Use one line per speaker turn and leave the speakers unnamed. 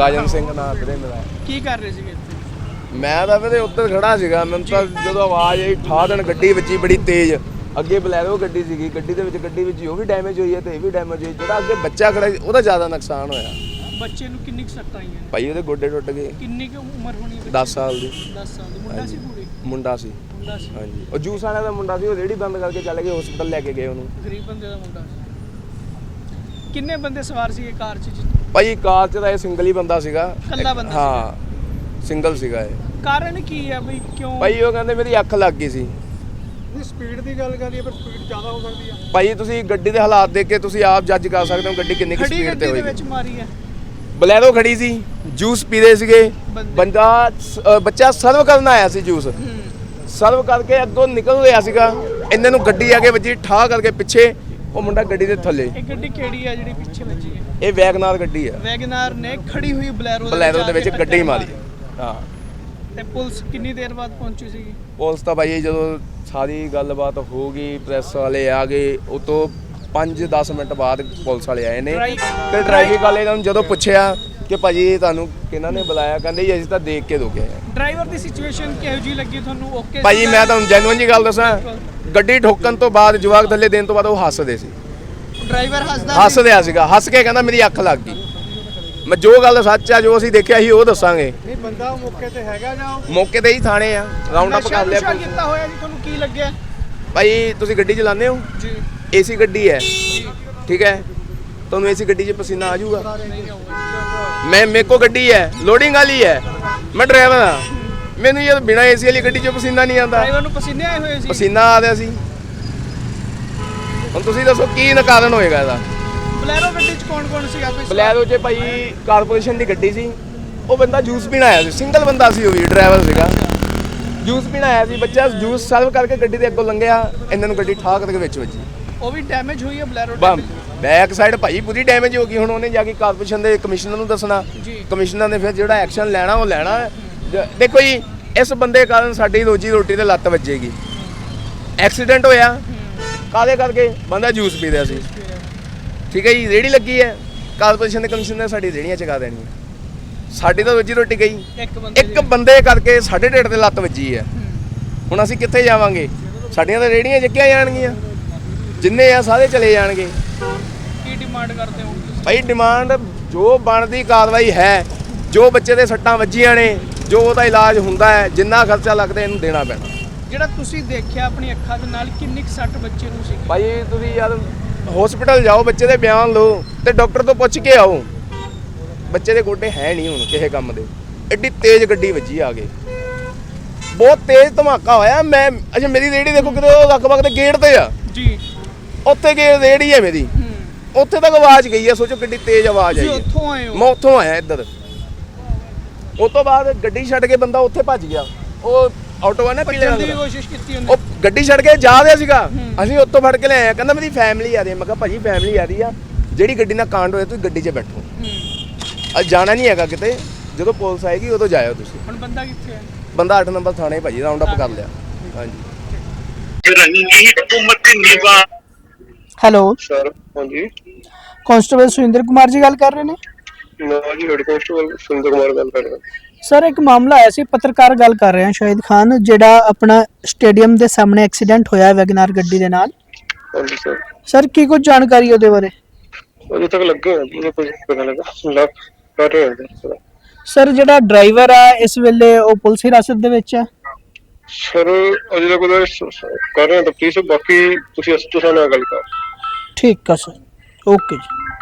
ਰਾਜਨ ਸਿੰਘ ਨਾਮ ਵੀਰੇ ਮੇਰਾ।
ਕੀ ਕਰ ਰਹੇ ਸੀਗੇ ਇੱਥੇ?
ਮੈਂ ਤਾਂ ਵੀਰੇ ਉੱਧਰ ਖੜਾ ਸੀਗਾ, ਮੈਨੂੰ ਤਾਂ ਜਦੋਂ ਆਵਾਜ਼ ਆਈ ਠਾ ਦੇਣ ਗੱਡੀ ਵੱਜੀ ਬੜੀ ਤੇਜ਼। ਅੱਗੇ ਬਲੈਰੋ ਗੱਡੀ ਸੀਗੀ, ਗੱਡੀ ਵਿੱਚ ਉਹ ਵੀ ਡੈਮੇਜ ਹੋਈ ਹੈ ਤੇ ਇਹ ਵੀ ਡੈਮੇਜ ਹੋਈ। ਜਿਹੜਾ ਅੱਗੇ ਬੱਚਾ ਖੜਾ ਸੀ ਉਹਦਾ ਜ਼ਿਆਦਾ ਨੁਕਸਾਨ ਹੋਇਆ।
ਬੱਚੇ ਨੂੰ ਕਿੰਨੀ ਕੁ ਸੱਟਾਂ ਆਈਆਂ ਨੇ?
ਭਾਈ ਉਹਦੇ ਗੋਡੇ ਟੁੱਟ ਗਏ।
ਕਿੰਨੀ ਕੁ ਉਮਰ ਹੋਣੀ ਹੈ?
10 ਸਾਲ ਦੀ।
10 ਸਾਲ ਦੀ। ਮੁੰਡਾ ਸੀ ਪੂਰੀ?
ਮੁੰਡਾ ਸੀ।
ਮੁੰਡਾ ਸੀ।
ਹਾਂਜੀ, ਉਹ ਜੂਸ ਵਾਲਿਆਂ ਦਾ ਮੁੰਡਾ ਸੀ। ਉਹ ਰੇਹੜੀ ਬੰਦ ਕਰਕੇ ਚੱਲ ਗਏ, ਹਸਪਤਾਲ ਲੈ ਕੇ ਗਏ ਉਹਨੂੰ।
ਗਰੀਬ ਬੰਦੇ ਦਾ ਮੁੰਡਾ ਸੀ। ਕਿੰਨੇ ਬੰਦੇ ਸਵਾਰ ਸੀਗੇ ਕਾਰ 'ਚ?
ਭਾਈ ਕਾਰ 'ਚ ਤਾਂ ਇਹ ਸਿੰਗਲ ਹੀ ਬੰਦਾ ਸੀਗਾ।
ਇਕੱਲਾ ਬੰਦਾ?
ਹਾਂ, ਸਿੰਗਲ ਸੀਗਾ ਇਹ।
ਕਾਰਨ ਕੀ ਹੈ ਬਈ, ਕਿਉਂ?
ਭਾਈ ਉਹ ਕਹਿੰਦੇ ਮੇਰੀ ਅੱਖ ਲੱਗ ਗਈ ਸੀ।
ਸਪੀਡ ਦੀ ਗੱਲ ਕਰੀਏ ਪਰ ਸਪੀਡ ਜ਼ਿਆਦਾ ਹੋ ਸਕਦੀ ਹੈ।
ਭਾਈ ਤੁਸੀਂ ਗੱਡੀ ਦੇ ਹਾਲਾਤ ਦੇਖ ਕੇ ਤੁਸੀਂ ਆਪ ਜੱਜ ਕਰ ਸਕਦੇ ਹੋ ਗੱਡੀ ਕਿੰਨੀ ਸਪੀਡ ਤੇ ਹੋਈ।
ਗੱਡੀ ਦੇ ਵਿੱਚ ਮਾਰੀ ਹੈ।
ਬਲੈਰੋ ਖੜੀ ਸੀ, ਜੂਸ ਪੀਦੇ ਸੀਗੇ। ਬੱਚਾ ਸਰਵ ਕਰਨ ਆਇਆ ਸੀ ਜੂਸ। ਸਰਵ ਕਰਕੇ ਅੱਗੋਂ ਨਿਕਲ ਰਿਹਾ ਸੀਗਾ, ਇਹਨਾਂ ਨੂੰ ਗੱਡੀ ਆ ਕੇ ਵੱਜੀ ਠਾ ਕਰਕੇ ਪਿੱਛੇ। ਉਹ ਮੁੰਡਾ ਗੱਡੀ ਦੇ ਥੱਲੇ।
ਇਹ ਗੱਡੀ ਕਿਹੜੀ ਹੈ ਜਿਹੜੀ ਪਿੱਛੇ ਵੱਜੀ ਹੈ?
ਇਹ ਵੈਗਨਾਰ ਗੱਡੀ ਹੈ।
ਵੈਗਨਾਰ ਨੇ ਖੜੀ ਹੋਈ ਬਲੈਰੋ
ਦੇ ਵਿੱਚ ਗੱਡੀ ਮਾਰੀ। ਹਾਂ।
ਤੇ ਪੁਲਿਸ ਕਿੰਨੀ ਦੇਰ ਬਾਅਦ ਪਹੁੰਚੀ ਸੀਗੀ?
ਪੁਲਿਸ ਤਾਂ ਭਾਈ ਜਦੋਂ ਸਾਰੀ ਗੱਲਬਾਤ ਹੋ ਗਈ, ਪ੍ਰੈਸ ਵਾਲੇ ਆ ਗਏ, ਉਹ ਤੋਂ 5-10 ਮਿੰਟ ਬਾਅਦ ਪੁਲਿਸ ਵਾਲੇ ਆਏ ਨੇ। ਤੇ ਡਰਾਈਵਿੰਗ ਵਾਲੇ ਨੂੰ ਜਦੋਂ ਪੁੱਛਿਆ ਕਿ ਭਾਜੀ ਤੁਹਾਨੂੰ ਕਿਹਨਾਂ ਨੇ ਬੁਲਾਇਆ, ਕਹਿੰਦੇ ਜੀ ਅਸੀਂ ਤਾਂ ਦੇਖ ਕੇ ਰੁਕੇ ਆ।
ਡਰਾਈਵਰ ਦੀ ਸਿਚੁਏਸ਼ਨ ਕਿਹੋ ਜਿਹੀ ਲੱਗੀ ਤੁਹਾਨੂੰ? ਓਕੇ
ਭਾਜੀ ਮੈਂ ਤੁਹਾਨੂੰ ਜੈਨੂਇਨ ਜੀ ਗੱਲ ਦੱਸਾਂ, ਗੱਡੀ ਠੋਕਣ ਤੋਂ ਬਾਅਦ ਜਵਾਕ ਥੱਲੇ ਦੇਣ ਤੋਂ ਬਾਅਦ ਉਹ ਹੱਸਦੇ ਸੀ।
ਡਰਾਈਵਰ
ਹੱਸਦਿਆ ਸੀਗਾ, ਹੱਸ ਕੇ ਕਹਿੰਦਾ ਮੇਰੀ ਅੱਖ ਲੱਗ ਗਈ। ਮੈਂ ਜੋ ਗੱਲ ਸੱਚ ਆ, ਜੋ ਅਸੀਂ ਦੇਖਿਆ ਸੀ ਉਹ ਦੱਸਾਂਗੇ।
ਨਹੀਂ ਬੰਦਾ ਮੌਕੇ ਤੇ ਹੈਗਾ ਜਾਂ
ਮੌਕੇ ਤੇ ਹੀ ਥਾਣੇ ਆ, ਰਾਉਂਡ ਅਪ ਕਰ ਲਿਆ।
ਨਸ਼ਾ ਕੀਤਾ ਹੋਇਆ ਜੀ? ਤੁਹਾਨੂੰ ਕੀ ਲੱਗਿਆ?
ਭਾਈ ਤੁਸੀਂ ਗੱਡੀ ਚਲਾਉਂਦੇ ਹੋ?
ਜੀ।
ਏਸੀ ਗੱਡੀ ਹੈ, ਠੀਕ ਹੈ? ਤੁਹਾਨੂੰ ਏਸੀ ਗੱਡੀ 'ਚ ਪਸੀਨਾ ਆ ਜਾਊਗਾ? ਮੇਰੇ ਕੋ ਗੱਡੀ ਹੈ, ਲੋਡਿੰਗ ਵਾਲੀ ਹੈ, ਮੈਂ ਡਰਾਈਵਰ ਹਾਂ। ਮੈਨੂੰ ਇਹ ਬਿਨਾਂ ਏਸੀ ਵਾਲੀ ਗੱਡੀ 'ਚ ਪਸੀਨਾ ਨਹੀਂ ਆਉਂਦਾ।
ਡਰਾਈਵਰ ਨੂੰ ਪਸੀਨੇ ਆਏ ਹੋਏ ਸੀ?
ਪਸੀਨਾ ਆ ਰਿਹਾ ਸੀ। ਹੁਣ ਤੁਸੀਂ ਦੱਸੋ ਕੀ ਕਾਰਨ ਹੋਏਗਾ ਇਹਦਾ?
ਬਲੈਰੋ ਗੱਡੀ 'ਚ ਕੌਣ ਸੀ ਆਪੇ?
ਬਲੈਰੋ 'ਚ ਭਾਈ ਕਾਰਪੋਰੇਸ਼ਨ ਦੀ ਗੱਡੀ ਸੀ। ਉਹ ਬੰਦਾ ਜੂਸ ਪੀਣ ਆਇਆ ਸੀ, ਸਿੰਗਲ ਬੰਦਾ ਸੀ, ਉਹ ਵੀ ਡਰਾਈਵਰ ਸੀਗਾ। ਜੂਸ ਪੀਣ ਆਇਆ ਸੀ, ਬੱਚਾ ਜੂਸ ਸਰਵ ਕਰਕੇ ਗੱਡੀ ਦੇ ਅੱਗੋਂ ਲੰਘਿਆ, ਇਹਨਾਂ ਨੂੰ ਗੱਡੀ ਠਾਕ ਦੇ ਵਿੱਚ ਵੱਜੀ।
ਉਹ ਵੀ ਡੈਮੇਜ ਹੋਈ ਹੈ ਬਲੈਰੋ?
ਬੈਕ ਸਾਈਡ ਭਾਈ ਪੂਰੀ ਡੈਮੇਜ ਹੋ ਗਈ। ਹੁਣ ਉਹਨੇ ਜਾ ਕੇ ਕਾਰਪੋਰੇਸ਼ਨ ਦੇ ਕਮਿਸ਼ਨਰ ਨੂੰ ਦੱਸਣਾ, ਕਮਿਸ਼ਨਰ ਨੇ ਫਿਰ ਜਿਹੜਾ ਐਕਸ਼ਨ ਲੈਣਾ ਉਹ ਲੈਣਾ। ਦੇਖੋ ਜੀ, ਇਸ ਬੰਦੇ ਕਾਰਨ ਸਾਡੀ ਰੋਜੀ ਰੋਟੀ ਤੇ ਲੱਤ ਵੱਜੇਗੀ। ਐਕਸੀਡੈਂਟ ਹੋਇਆ ਕਾਹਦੇ ਕਰਕੇ? ਬੰਦਾ ਜੂਸ ਪੀ ਰਿਹਾ ਸੀ, ਠੀਕ ਹੈ ਜੀ। ਰੇਹੜੀ ਲੱਗੀ ਹੈ, ਕਾਰਪੋਰੇਸ਼ਨ ਦੇ ਕਮਿਸ਼ਨਰ ਨੇ ਸਾਡੀ ਰੇਹੜੀਆਂ ਚਕਾ ਦੇਣੀਆਂ। ਸਾਡੀ ਤਾਂ ਰੋਜੀ ਰੋਟੀ ਗਈ। ਇੱਕ ਬੰਦੇ ਕਰਕੇ ਸਾਡੇ ਢਿੱਡ ਤੇ ਲੱਤ ਵੱਜੀ ਹੈ। ਹੁਣ ਅਸੀਂ ਕਿੱਥੇ ਜਾਵਾਂਗੇ? ਸਾਡੀਆਂ ਤਾਂ ਰੇਹੜੀਆਂ ਚੱਕੀਆਂ ਜਾਣਗੀਆਂ, ਜਿੰਨੇ ਆ ਸਾਰੇ ਚਲੇ ਜਾਣਗੇ।
ਕੀ ਡਿਮਾਂਡ ਕਰਦੇ ਹੋ
ਭਾਈ? ਡਿਮਾਂਡ ਜੋ ਬਣਦੀ ਕਾਰਵਾਈ ਹੈ, ਜੋ ਬੱਚੇ ਦੇ ਸੱਟਾਂ ਵੱਜੀਆਂ ਨੇ, ਜੋ ਉਹਦਾ ਇਲਾਜ ਹੁੰਦਾ ਹੈ, ਜਿੰਨਾ ਖਰਚਾ ਲੱਗਦਾ ਇਹਨੂੰ ਦੇਣਾ ਪੈਣਾ।
ਜਿਹੜਾ ਤੁਸੀਂ ਦੇਖਿਆ ਆਪਣੀ ਅੱਖਾਂ ਦੇ ਨਾਲ, ਕਿੰਨੀ ਕੁ ਸੱਟ ਬੱਚੇ ਨੂੰ ਸੀ?
ਭਾਈ ਤੁਸੀਂ ਯਾਰ ਹਸਪੀਟਲ ਜਾਓ, ਬੱਚੇ ਦੇ ਬਿਆਨ ਲਓ ਤੇ ਡਾਕਟਰ ਤੋਂ ਪੁੱਛ ਕੇ ਆਓ। ਬੱਚੇ ਦੇ ਗੋਡੇ ਹੈ ਨਹੀਂ ਹੁਣ ਕਿਸੇ ਕੰਮ ਦੇ। ਐਡੀ ਤੇਜ਼ ਗੱਡੀ ਵੱਜੀ ਆ ਕੇ, ਬਹੁਤ ਤੇਜ਼ ਧਮਾਕਾ ਹੋਇਆ। ਮੈਂ ਅੱਛਾ ਮੇਰੀ ਰੇਹੜੀ ਦੇਖੋ ਕਿਤੇ ਉਹ ਲਗਭਗ ਦੇ ਗੇਟ ਤੇ ਆ
ਜੀ,
ਉੱਥੇ ਗੇਟ ਰੇਹੜੀ ਹੈ ਮੇਰੀ, ਉੱਥੇ ਤੱਕ ਆਵਾਜ਼ ਗਈ ਹੈ। ਸੋਚੋ ਕਿੰਨੀ ਤੇਜ਼ ਆਵਾਜ਼ ਆਈ।
ਉੱਥੋਂ ਆਏ ਹੋ?
ਮੈਂ ਉੱਥੋਂ ਆਇਆ ਇੱਧਰ। ਉਸ ਤੋਂ ਬਾਅਦ ਗੱਡੀ ਛੱਡ ਕੇ ਬੰਦਾ ਉੱਥੇ ਭੱਜ ਗਿਆ। ਉਹ ਆਟੋ ਆ ਨਾ ਪੀਲੇ ਰੰਗ ਦਾ,
ਕੋਸ਼ਿਸ਼ ਕੀਤੀ ਉਹਨੇ।
ਉਹ ਗੱਡੀ ਛੱਡ ਕੇ ਜਾ ਰਿਹਾ ਸੀਗਾ। ਅਸੀਂ ਉੱਥੋਂ ਫੜ ਕੇ ਲੈ ਆਏ। ਕਹਿੰਦਾ ਮੇਰੀ ਫੈਮਿਲੀ ਆ ਰਹੀ ਹੈ। ਮੈਂ ਕਿਹਾ ਭਾਜੀ ਫੈਮਿਲੀ ਆ ਰਹੀ ਆ, ਜਿਹੜੀ ਗੱਡੀ ਨਾਲ ਕਾਂਡ ਹੋਇਆ ਤੁਸੀਂ ਗੱਡੀ 'ਚ ਬੈਠੋ। ਅੱਜ ਜਾਣਾ ਨਹੀਂ ਹੈਗਾ ਕਿਤੇ, ਜਦੋਂ ਪੁਲਿਸ ਆਏਗੀ ਉਦੋਂ ਜਾਇਓ ਤੁਸੀਂ।
ਹੁਣ ਬੰਦਾ ਕਿੱਥੇ ਹੈ?
ਬੰਦਾ 8 ਨੰਬਰ ਥਾਣੇ ਭਾਜੀ ਰਾਉਂਡ ਅਪ ਕਰ ਲਿਆ। ਹਾਂਜੀ।
ਹੈਲੋ
ਸਰ, ਹਾਂਜੀ
ਕਾਂਸਟੇਬਲ ਸੁਰਿੰਦਰ ਕੁਮਾਰ ਜੀ ਗੱਲ ਕਰ ਰਹੇ ਨੇ?
ਮੈਂ ਜੀ ਹੈਡ ਕਾਂਸਟੇਬਲ ਸੁਰਿੰਦਰ ਕੁਮਾਰ ਗੱਲ ਕਰ ਰਿਹਾ।
ਸਰ ਇੱਕ ਮਾਮਲਾ ਆਇਆ ਸੀ, ਪੱਤਰਕਾਰ ਗੱਲ ਕਰ ਰਹੇ ਹਾਂ ਸ਼ਾਹਿਦ ਖਾਨ, ਜਿਹੜਾ ਆਪਣਾ ਸਟੇਡੀਅਮ ਦੇ ਸਾਹਮਣੇ ਐਕਸੀਡੈਂਟ ਹੋਇਆ ਵੈਗਨਾਰ ਗੱਡੀ ਦੇ ਨਾਲ।
ਹਾਂਜੀ ਸਰ।
ਸਰ ਕੀ ਕੁਝ ਜਾਣਕਾਰੀ ਉਹਦੇ ਬਾਰੇ?
ਅਜੇ ਤੱਕ ਲੱਗੇ ਹੋਏ ਜੀ, ਕੁਝ ਪਤਾ ਲੱਗਾ ਕਰ ਰਹੇ ਹਾਂ
ਸਰ। ਜਿਹੜਾ ਡਰਾਈਵਰ ਆ ਇਸ ਵੇਲੇ ਉਹ ਪੁਲਿਸ ਹਿਰਾਸਤ ਦੇ ਵਿੱਚ ਹੈ?
ਸਰ ਅਜੇ ਤੱਕ ਕਰ ਰਹੇ ਹਾਂ ਤਫਤੀਸ਼, ਬਾਕੀ ਤੁਸੀਂ ਐਸਟੋ ਸਾਹਿਬ ਨਾਲ ਗੱਲ ਕਰ।
ਠੀਕ ਆ ਸਰ, ਓਕੇ ਜੀ।